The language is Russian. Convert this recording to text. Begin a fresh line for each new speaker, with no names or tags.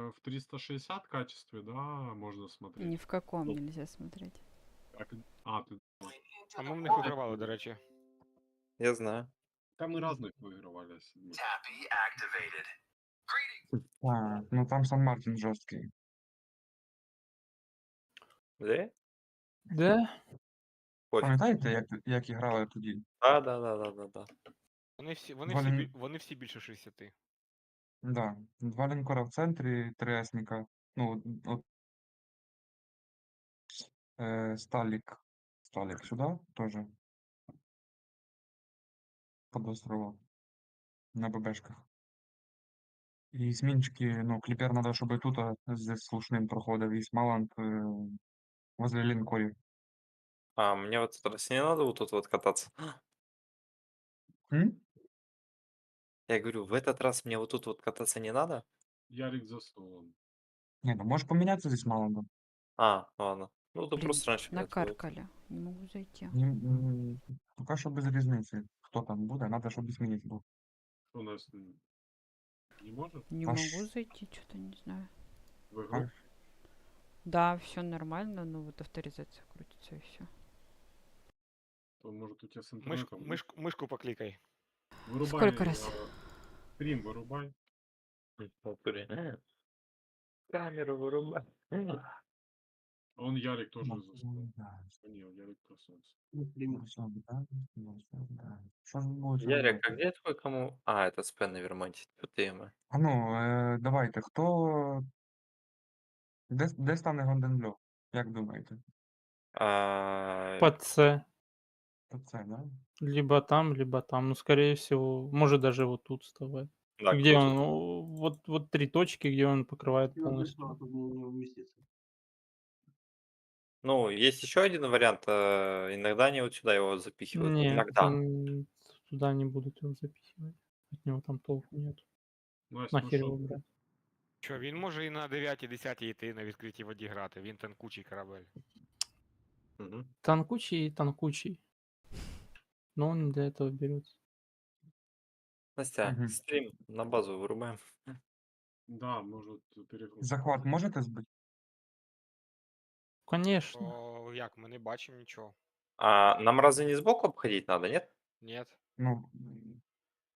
в 360 качестве, да, можно
Ни
смотреть.
в каком
Ну,
нельзя смотреть.
ты...
А ми в них вигравали, до речі.
Я знаю.
Там мы разных выигрывали. Седьмых.
А, ну там Сан-Мартин жорсткий.
Де?
Да?
Пофіг.
Пам'ятаєте, як грали тоді?
Да.
Вони всі більше 60.
Да. 2 лінкора в центрі, 3 есника. Ну, от Сталік сюди теж. Под островом. На ББшках. І змінчики, ну, кліпер треба, щоб тут з слушним проходив, і Смаланд возле лінкорів.
А, мне вот раз не надо вот тут вот кататься.
М?
Я говорю, в этот раз мне вот тут вот кататься не надо?
Ярик за столом.
Ні, ну можеш помінятися зі Смаландом.
А, ладно. Ну, то
Блин,
просто раньше меня отводит.
накаркали. Не могу зайти.
Поки що без різниці. Хто там буде, треба, щоб змінець був.
Что у нас не может?
Не
Аж-
могу зайти, что-то не знаю.
В игру?
Аж.
Да, все нормально, но вот авторизация крутится и все.
То может у тебя с интернетом?
Мишку поклікай.
Вырубай.
Сколько раз?
Стрим вырубай.
В натуре. Камеру вырубай.
Он Ярик тоже за столом. А не, Ярик проснулся.
Що ж буде?
Ярик, а где твой кому? А, это Спен на Вермонте. Тут ты
А ну, давайте, хто. Де стане Гонденблю? Як думаєте?
Под С.
То це, да?
Либо там. Ну, скорее всего, может даже вот тут вставать.
Да,
Где
круто.
он? Ну, вот 3 точки, где он покрывает полностью.
Ну, есть еще один вариант. Иногда они вот сюда его запихивают.
Нет,
Иногда.
туда не будут его запихивать. От него там толку нет.
Настя, ну
Нахер
что
его
ты?
брать?
Що, він може і на 9-10 йти на відкритій воді грати, він танкучий корабель.
Мгм.
Танкучий. Но он не для этого берется.
Настя,
Мгм.
стрим на базу вырубаем.
Да, может перегруз.
Захват можете збити?
Конечно.
То як, ми не бачимо нічого.
А нам разве не сбоку обходить надо, нет?
Ні.
Ну,